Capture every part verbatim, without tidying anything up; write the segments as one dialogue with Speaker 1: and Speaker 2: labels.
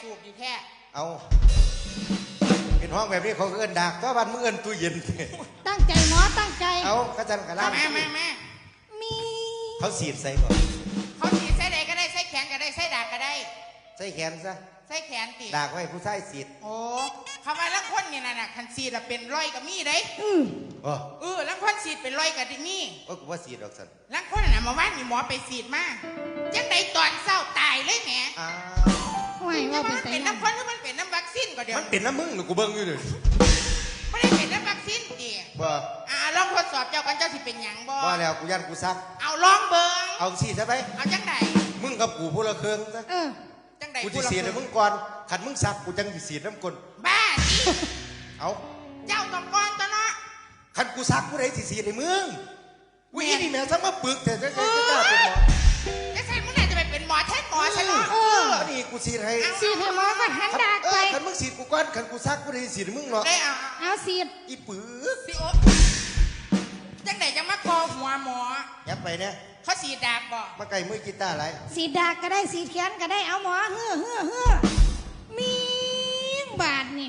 Speaker 1: จูบอยู่แค่
Speaker 2: เอาเป็นห้องแบบนี้เขาเอิ้นดักเพราะวันมึงเอิ้นตู้เย็น
Speaker 3: ตั้งใจหมอตั้งใจ
Speaker 2: เอาข้าจันกระลา
Speaker 1: แม่แม่แม่
Speaker 3: มี
Speaker 2: เขาสีดใส่ก่อน
Speaker 1: เขาสีดใส่ใดก็ได้ใส่แขนก็ได้ใส่ดากก็ได้
Speaker 2: ใส่แขนซะ
Speaker 1: ใส่แขนติ
Speaker 2: ดากไว้ผู้ชายสีด
Speaker 1: โอ้คำว่าลังคนเนี่ยน่ะคันสีดเป็นร้อยกับมีได้
Speaker 3: อือ
Speaker 1: เออลังคนสีดเป็นร้อยกับดิมี
Speaker 2: โอ้กูว่าสีดออกสัน
Speaker 1: ลังคนน่ะมาว่านมีหมอไปสีดมาจังไดตอนเศร้าตายเลยแหม
Speaker 2: อ้าว
Speaker 3: ไม่ว่าเป็น
Speaker 1: เป็นน้ำคนหรือมันเป็นน้ำวัคซีนก็เดี๋ยว
Speaker 2: มันเป็นน้ำมึงหรือกูเบิ้งอยู่เลย
Speaker 1: ไม่ได้เป็นน้ำวัคซีนดิ
Speaker 2: บ่
Speaker 1: อ่าลองทดสอบเจ้ากันเจ้าสิเป็นหยังบ่
Speaker 2: ว่าแล้วกูยันกูซัก
Speaker 1: เอาลองเบิ้ง
Speaker 2: เอาสีใช่ไหม
Speaker 1: เอาจังได
Speaker 2: มึงกับกูพูละเครื่องซะ
Speaker 3: เออ
Speaker 1: จังได
Speaker 2: กูจะสีดให้มึงก่อนขันมึงซักกูจังจะสีดน้ำกล
Speaker 1: บ้า
Speaker 2: เอา
Speaker 1: เจ้าต้องก่อนตัวเนาะ
Speaker 2: ขันกูซักกูได้สีสีดให้มึงกูยี่นี่แม่ซักมาปึกแต่จะจะจะเป็นหมอ
Speaker 1: จะใช่มึงไหนจะไปเป็นหมอแท้หมอใช่ไหม
Speaker 3: เออ
Speaker 2: นี่กูสีดให้
Speaker 3: สีดให้หมอก็หันดากไป
Speaker 2: ขันมึงสีดกูก่อนขันกูซักกูได้สีดให้มึงหรอก
Speaker 1: ได้เอา
Speaker 3: เอาสีด
Speaker 2: อีปึก
Speaker 1: สิโอจังไหนจะมาคอหัวหมอ
Speaker 2: ยับไปเนี่ย
Speaker 1: เขาสีดาบบ่
Speaker 2: มาไก่มือกีตาร์ไร
Speaker 3: สีดากก็ได้สีแขนก็ได้เอาหมอเฮ้อเฮ้อเฮ้อมีบาทนี่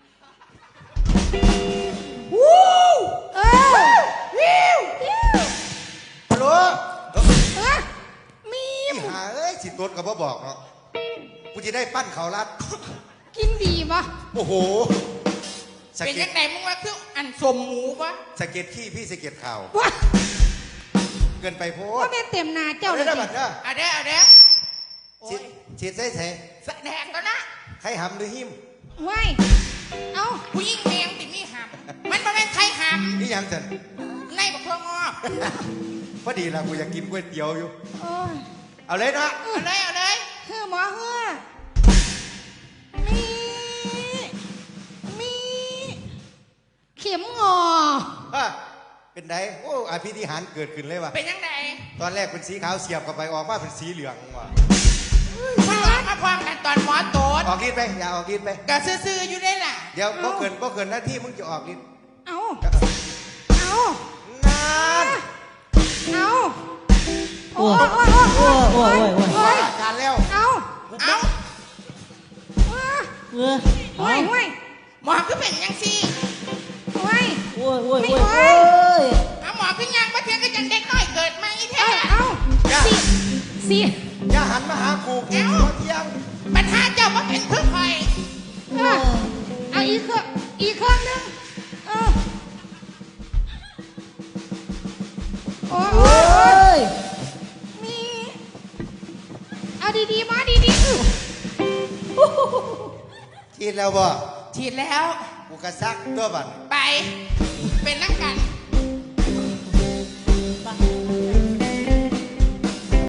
Speaker 3: วู้เออวิววิว
Speaker 2: ฮัลโหล
Speaker 3: เออมี
Speaker 2: หาเอ้ยสิตัวกับบ่บอกเนาะกูจะได้ปั้นเขาลัด
Speaker 3: กินดีปะ
Speaker 2: โอ้โห
Speaker 1: เป็นยังไงมึงว่าคืออันสมหมูปะ
Speaker 2: สเก็ตขี้พี่สเก็ตข่าวเกินไปโพ
Speaker 3: ดก็ได้เต็มนาเจ้า
Speaker 2: เลยนะบัดเด้อ
Speaker 1: เอาเด้อเอาเด้อ
Speaker 2: ฉีดฉีดใส่ใส่
Speaker 1: แสดงก็นะ
Speaker 2: ใครหำหรือหิม
Speaker 3: ไว้เอา
Speaker 1: ผู้หญิงแมงติมีหำมันเป็นใครหำ
Speaker 2: นี่ยังจัน
Speaker 1: ในบักเพื่องอก
Speaker 2: พอดีละกูอยากกินก๋วยเตี๋ยวอยู่เอาเลยนะ
Speaker 1: เอาเลยเอาเลย
Speaker 3: เฮ้อหมอเฮ้อมีมีเข็มงอ
Speaker 2: เป็นไงโอ้อภิธิหารเกิดขึ้นเลยว่ะ
Speaker 1: เป็นยังไง
Speaker 2: ตอนแรกเป็นสีขาวเสียบกับไปออกมาเป็นสีเหลืองว่ะ
Speaker 1: มาล้างมาพร้อมกันตอนหมอโตด
Speaker 2: ออกฤทธิ์ไปอย่าออกฤทธิ์ไป
Speaker 1: ก็ซื่อๆอยู่ได้ล่ะ
Speaker 2: เดี๋ยวบ่เกินบ่เกินหน้าที่มึงจะออกฤทธิ์
Speaker 3: เอาเอา
Speaker 2: นาน
Speaker 3: เอาโอ้ยโอ้ยโอ้ยโอ้ยโอ้ย
Speaker 2: การแล้ว
Speaker 3: เอา
Speaker 1: เอา
Speaker 3: เออโอ้ยโอ้ย
Speaker 1: หมอคือเป็นยังสิ
Speaker 3: โอ้ย
Speaker 4: โอ้ยโอ้ยโอ้ย
Speaker 1: เอาหมอคือยังมาเทียงก็ยังเด็กน้อยเกิดมาอีแท้
Speaker 3: เอาสิสิ
Speaker 2: อย่าหันมาหากูกูเที่ยง
Speaker 1: ปัญหาเจ้าว่าเป็นเพื่อใคร
Speaker 3: เอาอีกเครื่องอีกเครื่องนึงเออโอ้ยมีเอาดีๆมาดีๆ
Speaker 2: ฉีดแล้วบ่
Speaker 1: ฉีดแล้ว
Speaker 2: กูกระซักตัวบัด
Speaker 1: ไป